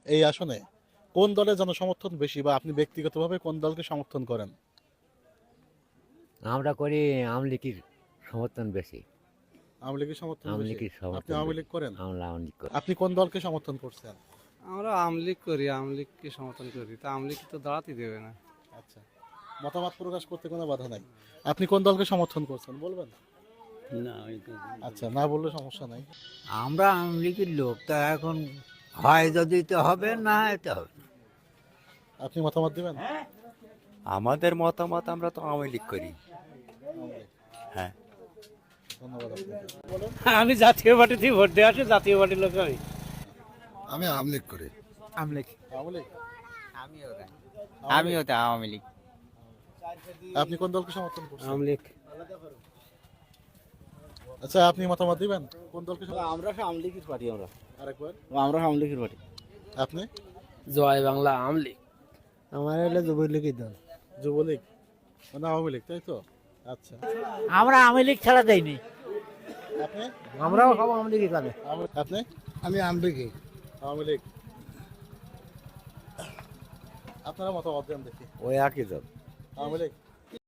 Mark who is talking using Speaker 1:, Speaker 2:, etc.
Speaker 1: এই আসনে কোন দলের জনসমর্থন বেশি বা আপনি ব্যক্তিগতভাবে কোন দলকে সমর্থন করেন?
Speaker 2: আমরা করি আমলিকির সমর্থন বেশি।
Speaker 1: আওয়ামী লীগের সমর্থন বেশি।
Speaker 2: আমলিকির
Speaker 1: আপনি
Speaker 2: সমর্থন
Speaker 1: আওয়ামী
Speaker 2: বেশি।
Speaker 1: লীগ করেন?
Speaker 2: আমরা আমলিক করি।
Speaker 1: আপনি কোন দলকে সমর্থন করছেন?
Speaker 3: আমরা আওয়ামী লীগ করি, আওয়ামী লীগকে সমর্থন করি। তা আওয়ামী লীগ তো দাঁড়াতে দেবে না।
Speaker 1: আচ্ছা, মতামত প্রকাশ করতে কোনো বাধা নাই। আপনি কোন দলকে সমর্থন করছেন বলবেন?
Speaker 3: না,
Speaker 1: আচ্ছা, না বললে সমস্যা নাই।
Speaker 4: আমরা আওয়ামী লীগের লোক, তা এখন হয় যদি তো হবে, না হয় তো হবে না।
Speaker 1: আপনি মতামত দিবেন?
Speaker 5: আমাদের মতামত, আমরা তো আওয়ামী লীগ করি।
Speaker 1: আওয়ামী লীগ।
Speaker 5: হ্যাঁ।
Speaker 1: ধন্যবাদ আপনাকে। বলেন।
Speaker 3: আমি জাতীয় পার্টিতে ভোট দিয়ে আসি, জাতীয় পার্টির লোক আমি।
Speaker 6: আমি আওয়ামী লীগ করি।
Speaker 1: আওয়ামী লীগ।
Speaker 5: আমিও তো আওয়ামী লীগ।
Speaker 1: আপনি কোন দলকে সমর্থন করছেন?
Speaker 3: আওয়ামী লীগ।
Speaker 1: আচ্ছা, আপনি মতামত দিবেন কোন দলকে
Speaker 3: আমরা আওয়ামী লীগের পার্টি।
Speaker 1: আরেকবার।
Speaker 3: আমরা আওয়ামী লীগের পার্টি।
Speaker 1: আপনি?
Speaker 3: জয় বাংলা আওয়ামী লীগ। আমার হলো যুবলীগের দল।
Speaker 1: যুবলীগ মানে আওয়ামী লীগ, তাই তো? আচ্ছা,
Speaker 4: আমরা আওয়ামী লীগ ছাড়া দেয়নি।
Speaker 1: আপনি?
Speaker 4: আমরাও সব আওয়ামী লীগই করে।
Speaker 1: আপনি?
Speaker 6: আমি আওয়ামী লীগই।
Speaker 1: আওয়ামী লীগ। আপনারা মতামত দেন দেখি।
Speaker 5: ওই একই দল।
Speaker 1: আওয়ামী লীগ।